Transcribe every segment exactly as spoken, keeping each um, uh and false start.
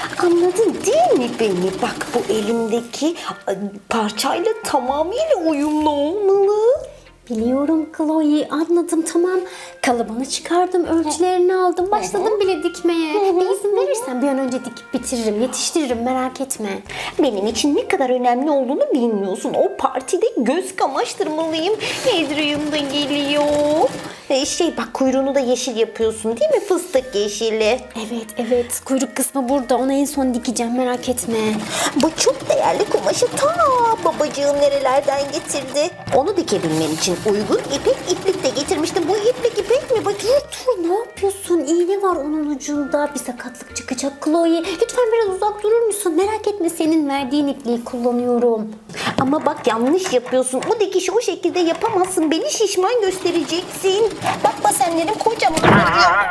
Anladın değil mi beni? Bak bu elimdeki parçayla tamamıyla uyumlu olmalı. Biliyorum Chloe, anladım, tamam. Kalıbını çıkardım, ölçülerini aldım, başladım bile dikmeye. Bir izin verirsen bir an önce dikip bitiririm, yetiştiririm, merak etme. Benim için ne kadar önemli olduğunu bilmiyorsun. O partide göz kamaştırmalıyım. Adrian da geliyor. Ee, şey bak kuyruğunu da yeşil yapıyorsun değil mi? Fıstık yeşili. Evet, evet. Kuyruk kısmı burada. Onu en son dikeceğim, merak etme. Bu çok değerli kumaşı ta babacığım nerelerden getirdi. Onu dikebilmen için uygun ipek iplik de getirmiştim. Bu iplik ipek mi? Bak dur dur. Ne yapıyorsun? İğne var onun ucunda. Bir sakatlık çıkacak Chloe. Lütfen biraz uzak durur musun? Merak etme, senin verdiğin ipliği kullanıyorum. Ama bak yanlış yapıyorsun. O dikişi o şekilde yapamazsın. Beni şişman göstereceksin. Bak basenlerim kocaman oluyor.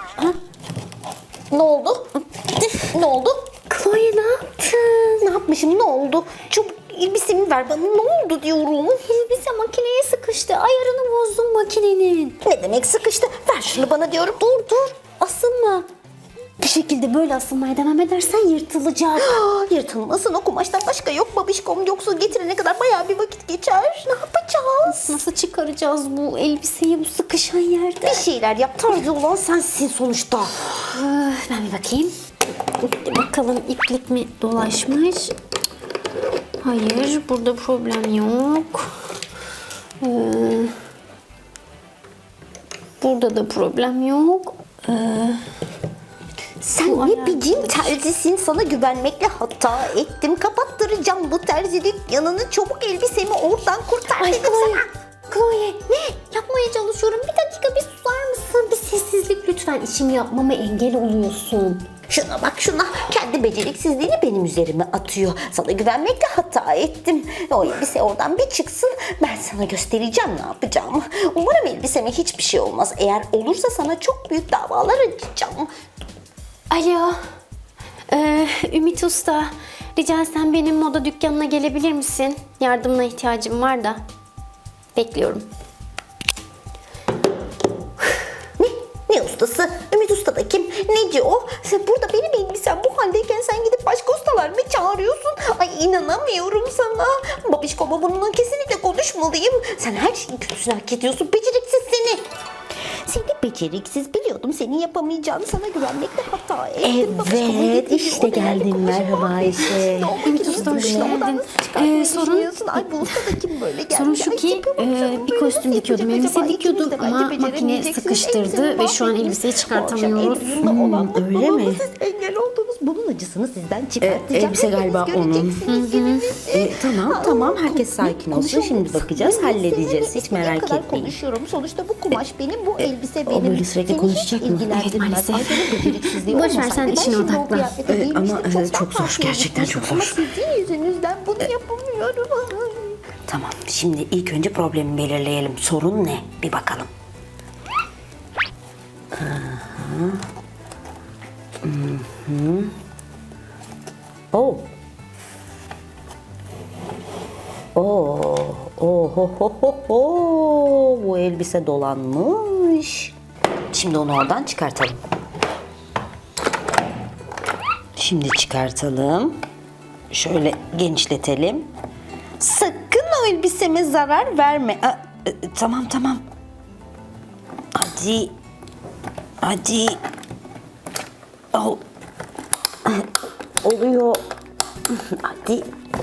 Ne oldu? Ne oldu? Chloe ne yaptın? Ne yapmışım? Ne oldu? Çabuk elbisemi ver bana. Ne oldu diyorum. Elbise makineye sıkıştı. Ayarını bozdum makinenin. Ne demek sıkıştı? Ver şunu bana diyorum. Dur dur. Asılma. Bu şekilde böyle asılmaya devam edersen yırtılacak. Ah, yırtılmasın, o kumaştan başka yok babişkom. Yoksa getirene kadar bayağı bir vakit geçer. Ne yapacağız? Nasıl çıkaracağız bu elbiseyi bu sıkışan yerde? Bir şeyler yap. Tarzı olan sensin sonuçta. Öf, ben bir bakayım. Bakalım iplik mi dolaşmış? Hayır, burada problem yok. Ee, burada da problem yok. Ee, Sen Bu ne ayar- biçim terzisin, sana güvenmekle hata ettim. Kapattıracağım bu terzi dükkanını. Çabuk elbisemi oradan kurtar Ay dedim Chloe, sana. Chloe ne? Yapmaya çalışıyorum. Bir dakika bir susar mısın? Bir sessizlik lütfen. İşimi yapmama engel oluyorsun. Şuna bak şuna, kendi beceriksizliğini benim üzerime atıyor. Sana güvenmekle hata ettim. O elbise oradan bir çıksın, ben sana göstereceğim ne yapacağımı. Umarım elbiseme hiçbir şey olmaz. Eğer olursa sana çok büyük davalar açacağım. Alo. Ee, Ümit Usta. Rica etsem benim moda dükkanına gelebilir misin? Yardımına ihtiyacım var da. Bekliyorum. Ne? Ne ustası? Ümit Usta da kim? Neci o? Sen burada benim elbisem bu haldeyken sen gidip başka ustalar mı çağırıyorsun? Ay inanamıyorum sana. Babişkoma bununla kesinlikle konuşmalıyım. Sen her şeyin kötüsünü hak ediyorsun. Beceriksiz seni. Seni beceriksiz, biliyordum senin yapamayacağını, sana güvenmekle hata ettim. Babişkoma Evet, getirdim, işte o değerli geldin. kumaşı Merhaba mahvettim. Ayşe. Ne oldu Ümit ki? Usta, hoş Nasıl geldin. odadan nasıl çıkartmayı Ee, sorun- düşünüyorsun? Ay bu usta da kim böyle geldi? Sorun şu Ay, ki tipe e, baksana, bir böyle kostüm nasıl dikiyordum, yapacak elbise acaba? dikiyordum İkiniz de bence ama makine beceremeyeceksiniz. sıkıştırdı Elbisemi ve şu an mahvettiniz. elbiseyi Bu akşam çıkartamıyoruz. Adrian'la olan Hmm, öyle mutluluğuma mi? siz engel oldunuz. Bunun acısını sizden çıkartacağım. elbise Hepiniz galiba onun. göreceksiniz gününüzü. E, tamam Aa, tamam, herkes sakin konuşalım. olsun. Şimdi bakacağız, Ben halledeceğiz. seninle Hiç istediğim merak kadar etmeyin. konuşuyorum. Sonuçta bu kumaş benim, bu elbise o benim. böyle sürekli Seni konuşacak hiç mı? ilgilendirmez. Evet, maalesef. Ay, senin beceriksizliği Boş ver, olmasaydı sen ben işine şimdi o odaklan. kıyafete E, giymiştim. ama, e, Çoktan çok zor, fark gerçekten çok etmiştim. zor. Ama sizin yüzünüzden bunu yapamıyorum. Tamam, şimdi ilk önce problemi belirleyelim. Sorun ne? Bir bakalım. Aha. Hı-hı. Oh. Oo, oh, ho, ho, ho, ho. Bu elbise dolanmış. Şimdi onu oradan çıkartalım. Şimdi çıkartalım. Şöyle genişletelim. Sakın o elbiseme zarar verme. Aa, e, tamam tamam. Hadi. Hadi. Al. Oluyor. Hadi.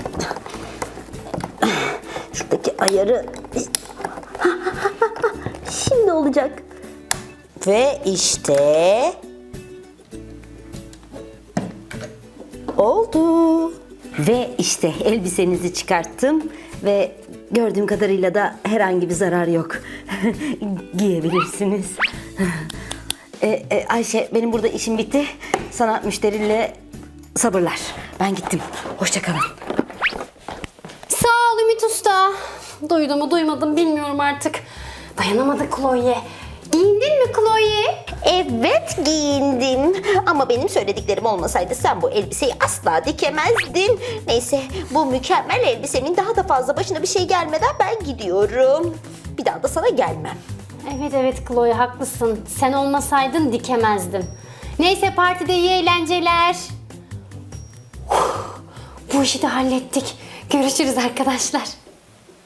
Şuradaki ayarı. Şimdi olacak. Ve işte oldu. Ve işte elbisenizi çıkarttım ve gördüğüm kadarıyla da herhangi bir zarar yok. Giyebilirsiniz. e, e, Ayşe, benim burada işim bitti. Sana müşteriyle sabırlar. Ben gittim. Hoşça kalın. Sağ ol Ümit Usta. Duydum mu duymadım bilmiyorum artık. Dayanamadı Chloe. Giyindin mi Chloe? Evet giyindim ama benim söylediklerim olmasaydı sen bu elbiseyi asla dikemezdin. Neyse bu mükemmel elbisenin daha da fazla başına bir şey gelmeden ben gidiyorum. Bir daha da sana gelmem. Evet evet Chloe haklısın. Sen olmasaydın dikemezdim. Neyse partide iyi eğlenceler. bu işi de hallettik. Görüşürüz arkadaşlar.